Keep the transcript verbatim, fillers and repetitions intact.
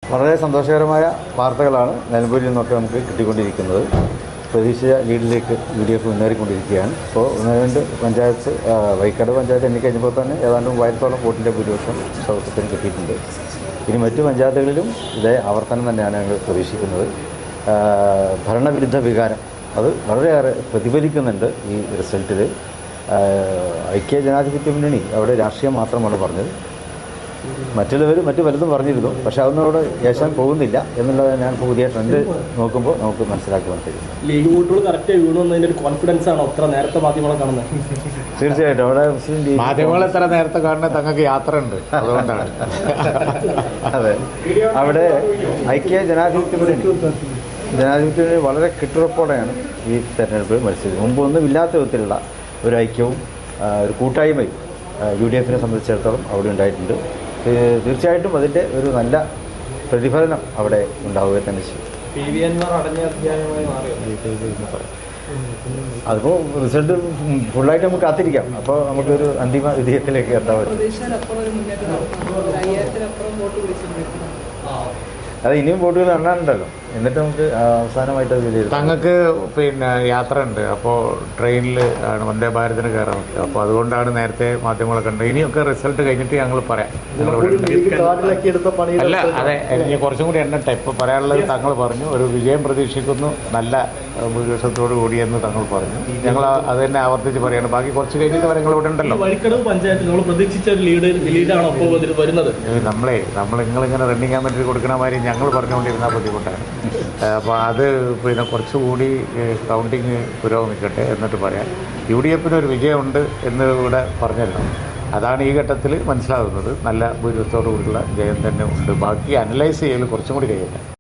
വളരെ സന്തോഷകരമായ വാർത്തകളാണ് നിലമ്പൂരിൽ നിന്നൊക്കെ നമുക്ക് കിട്ടിക്കൊണ്ടിരിക്കുന്നത്. പ്രതീക്ഷിച്ച ലീഡിലേക്ക് യു ഡി എഫ് മുന്നേറിക്കൊണ്ടിരിക്കുകയാണ്. ഇപ്പോൾ ഒന്ന് രണ്ട് പഞ്ചായത്ത് വൈക്കാട് പഞ്ചായത്ത് എണ്ണിക്കഴിഞ്ഞപ്പോൾ തന്നെ ഏതാണ്ട് മൂവായിരത്തോളം വോട്ടിൻ്റെ ഭൂരിപക്ഷം സൗഹൃദത്തിന് കിട്ടിയിട്ടുണ്ട്. ഇനി മറ്റു പഞ്ചായത്തുകളിലും ഇതേ ആവർത്തനം തന്നെയാണ് ഞങ്ങൾ പ്രതീക്ഷിക്കുന്നത്. ഭരണവിരുദ്ധ വികാരം അത് വളരെയേറെ പ്രതിഫലിക്കുന്നുണ്ട് ഈ റിസൾട്ടിൽ. ഐക്യ ജനാധിപത്യ മുന്നണി അവിടെ രാഷ്ട്രീയം മാത്രമാണ് പറഞ്ഞത്. മറ്റുള്ളവർ മറ്റു പലതും പറഞ്ഞിരുന്നു, പക്ഷേ അതൊന്നും അവിടെ ഏശാൻ പോകുന്നില്ല എന്നുള്ളത് ഞാൻ പുതിയ ട്രെൻഡ് നോക്കുമ്പോൾ നമുക്ക് മനസ്സിലാക്കുവാൻ കഴിയും. ലീഗ് വോട്ടുകൾ കറക്റ്റ് വീണുന്നതിൻ്റെ ഒരു കോൺഫിഡൻസ് ആണോ അത്ര നേരത്തെ മാധ്യമങ്ങളെ കാണുന്നത്? തീർച്ചയായിട്ടും അവിടെ മുസ്ലിം ലീഗ് മാധ്യമങ്ങൾ എത്ര നേരത്തെ കാണുന്നത് തങ്ങൾക്ക് യാത്ര ഉണ്ട്, അതുകൊണ്ടാണ്. അതെ, അവിടെ ഐക്യ ജനാധിപത്യ മുന്നണി ജനാധിപത്യ മുന്നണി വളരെ കെട്ടുറപ്പോടെയാണ് ഈ തെരഞ്ഞെടുപ്പ് മത്സരിച്ചത്. മുമ്പൊന്നും ഇല്ലാത്ത വിധത്തിലുള്ള ഒരു ഐക്യവും ഒരു കൂട്ടായ്മയും യു ഡി എഫിനെ സംബന്ധിച്ചിടത്തോളം അവിടെ ഉണ്ടായിട്ടുണ്ട്. തീർച്ചയായിട്ടും അതിൻ്റെ ഒരു നല്ല പ്രതിഫലനം അവിടെ ഉണ്ടാവുക തന്നെ ചെയ്യും. അതിപ്പോൾ റിസൾട്ട് ഫുള്ളായിട്ട് നമുക്ക് കാത്തിരിക്കാം. അപ്പോൾ നമുക്കൊരു അന്തിമ വിജയത്തിലേക്ക് എത്താൻ പറ്റും. അത് ഇനിയും വോട്ടുകൾ എണ്ണാനുണ്ടല്ലോ, എന്നിട്ട് നമുക്ക് അവസാനമായിട്ട് അത് വിലയിരുത്താം. തങ്ങൾക്ക് പിന്നെ യാത്ര ഉണ്ട്, അപ്പോൾ ട്രെയിനിൽ ആണ് വന്ദേ ഭാരതിന് കയറാൻ പറ്റുക. അപ്പോൾ അതുകൊണ്ടാണ് നേരത്തെ മാധ്യമങ്ങളെ കണ്ടത്. ഇനിയൊക്കെ റിസൾട്ട് കഴിഞ്ഞിട്ട് ഞങ്ങൾ പറയാം. അല്ല, അതെ, ഇനി കുറച്ചും കൂടി എണ്ണട്ടെ. ഇപ്പോൾ പറയാനുള്ളത് തങ്ങൾ പറഞ്ഞു, ഒരു വിജയം പ്രതീക്ഷിക്കുന്നു, നല്ല ഭൂരിപക്ഷത്തോടു കൂടിയെന്ന് തങ്ങൾ പറഞ്ഞു. ഞങ്ങൾ അത് തന്നെ ആവർത്തിച്ച് പറയാണ്. ബാക്കി കുറച്ച് കഴിഞ്ഞിട്ട് വരെ നിങ്ങൾ ഇവിടെ ഉണ്ടല്ലോ. നമ്മളെ നമ്മൾ നിങ്ങളിങ്ങനെ റണ്ണിങ് കമ്മിറ്റി കൊടുക്കണ മാതിരി ഞങ്ങൾ പറഞ്ഞുകൊണ്ടിരുന്നാൽ ബുദ്ധിമുട്ടാണ്. അപ്പോൾ അത് പിന്നെ കുറച്ചുകൂടി കൗണ്ടിങ് പുരോഗമിക്കട്ടെ എന്നിട്ട് പറയാം. യു ഡി എഫിന് ഒരു വിജയമുണ്ട് എന്ന് ഇവിടെ പറഞ്ഞല്ലോ. അതാണ് ഈ ഘട്ടത്തിൽ മനസ്സിലാകുന്നത്. നല്ല ഭൂരിപക്ഷത്തോടു കൂടിയുള്ള ജയം തന്നെ ഉണ്ട്. ബാക്കി അനലൈസ് ചെയ്യൽ കുറച്ചും കൂടി കഴിയട്ടെ.